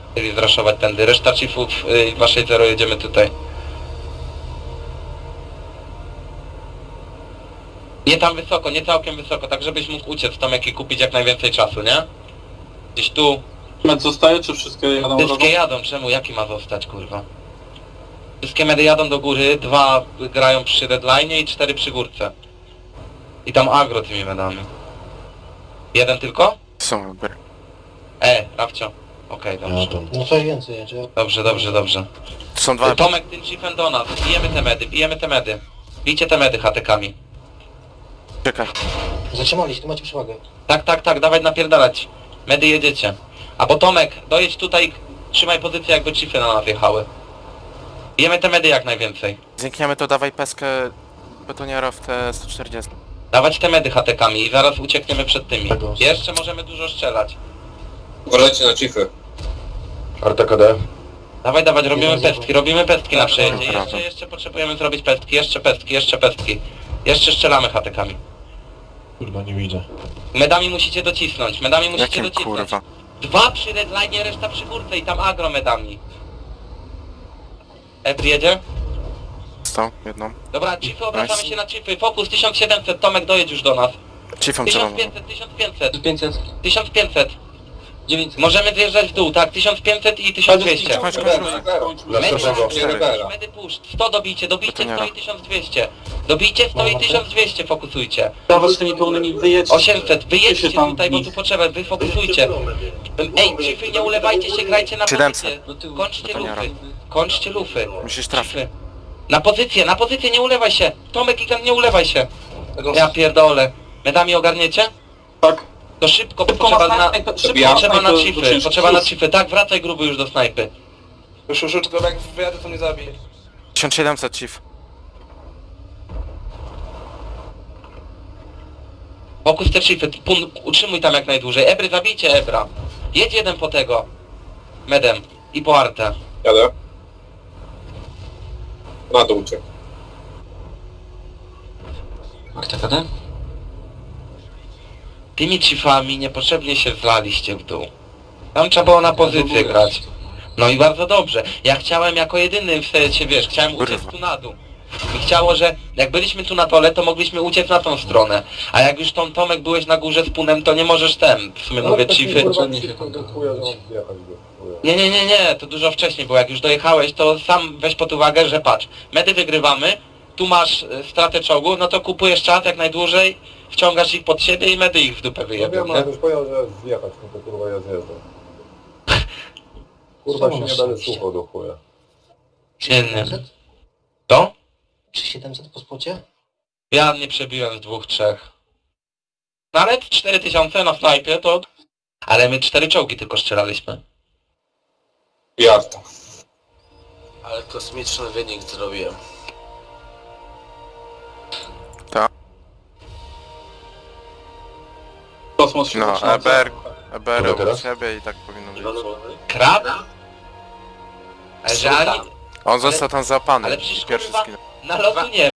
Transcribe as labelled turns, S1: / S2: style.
S1: Chcieli zraszować tędy. Reszta chiefów 260 jedziemy tutaj. Nie tam wysoko, nie całkiem wysoko, tak żebyś mógł uciec Tomek i kupić jak najwięcej czasu, nie? Gdzieś tu.
S2: Med zostaje, czy wszystkie jadą drogą?
S1: Wszystkie jadą, czemu? Jaki ma zostać, kurwa? Wszystkie medy jadą do góry, 2 grają przy redline i 4 przy górce. I tam agro tymi medami. Jeden tylko?
S3: Są wybory.
S1: Rafcio. Okej, dobrze.
S4: No coś więcej jedzie.
S1: Dobrze.
S3: Są dwa.
S1: Tomek, tym chiefem do nas. Bijemy te medy. Bijcie te medy hatekami.
S3: Czekaj.
S4: Zatrzymali się, tu macie przewagę.
S1: Tak, dawaj napierdalać. Medy jedziecie. A bo Tomek, dojedź tutaj, trzymaj pozycję jakby chiefy na nas jechały. Bijemy te medy jak najwięcej.
S3: Znikniemy to, dawaj peskę betoniera w te 140.
S1: Dawać te medy hatekami i zaraz uciekniemy przed tymi.
S4: Tego.
S1: Jeszcze możemy dużo strzelać.
S5: Uważajcie na chiefy.
S6: RTKD.
S1: Dawaj, robimy pestki na przejeździe.
S3: Dobra.
S1: Jeszcze potrzebujemy zrobić pestki, jeszcze pestki. Jeszcze strzelamy hatekami.
S6: Kurwa, nie widzę.
S1: Medami musicie docisnąć,
S3: Jakim kurwa?
S1: 2 przy redline, reszta przy górce i tam agro medami. Ebr jedzie?
S3: Stał jedną.
S1: Dobra, chiefy, obracamy
S3: Nice.
S1: się na chiefy. Fokus 1700, Tomek dojedź już do nas.
S3: Chiefem celową.
S1: 1500.
S2: 500.
S1: 1500.
S2: 900.
S1: Możemy zjeżdżać w dół, tak? 1500 i 1200.
S3: Kończ.
S1: Medy push, 100 dobijcie 100
S3: Betoniera.
S1: i 1200. Dobijcie 100 i 1200, fokusujcie.
S2: Dawać z tymi pełnymi wyjedźcie.
S1: 800, wyjedźcie
S2: Ty się tam
S1: tutaj, bo
S2: w
S1: tu
S2: nich-
S1: potrzeba, wy fokusujcie. Ej, chiefy, nie ulewajcie się, grajcie na
S3: 700.
S1: pozycję. Kończcie
S3: Betoniera.
S1: lufy, kończcie lufy.
S3: Musisz trafić.
S1: Chiefy. Na pozycję, nie ulewaj się. Tomek, Gigant, nie ulewaj się. Ja pierdolę. Medami ogarniecie?
S2: Tak.
S1: To szybko,
S2: Szybko
S1: potrzeba
S2: na
S1: na...
S2: snajpę,
S1: Potrzeba na
S2: to
S1: chiefy,
S2: ciężki
S1: potrzeba na
S2: sus.
S1: chiefy. Tak, wracaj gruby już do snajpy.
S5: Już, tylko jak wyjadę to mnie zabije.
S3: 1700 chief.
S1: Fokus te chiefy, utrzymuj tam jak najdłużej. Ebry, zabijcie Ebra. Jedź jeden po tego. Medem i po artę.
S5: Jadę. Na dół uciekł.
S2: RTKD?
S1: Tymi chiefami niepotrzebnie się zlaliście w dół. Tam trzeba było na pozycję grać. No i bardzo dobrze. Ja chciałem jako jedyny w sensie, wiesz, chciałem uciec
S3: Kurwa.
S1: tu na dół. I chciało, że jak byliśmy tu na dole, to mogliśmy uciec na tą stronę. A jak już Tomek byłeś na górze z punem, to nie możesz w sumie mówię chiefy. Nie, to dużo wcześniej, bo jak już dojechałeś, to sam weź pod uwagę, że patrz, medy wygrywamy, tu masz stratę czołgu, no to kupujesz czas jak najdłużej, wciągasz ich pod siebie i medy ich w dupę wyjebią, nie?
S6: już powiedział, że zjechać, no to kurwa ja zjeżdżam. Kurwa się nie będę słuchał do chuja.
S1: Nie.
S4: 700?
S1: To?
S4: Czy 700 po spocie?
S1: Ja nie przebiłem z 2-3. Nawet 4000 na snajpie to... Ale my 4 czołgi tylko strzelaliśmy.
S5: Jarta.
S7: Ale kosmiczny wynik zrobiłem.
S2: Kosmos się
S3: No,
S2: zaczyna.
S3: EBR
S6: Dobra,
S3: u
S6: teraz?
S3: siebie i tak powinno być.
S1: Krab? Ale że ani...
S3: On został tam załapany.
S1: Ale przecież
S3: Pierwszy
S1: kurwa,
S3: skin.
S1: na lotu nie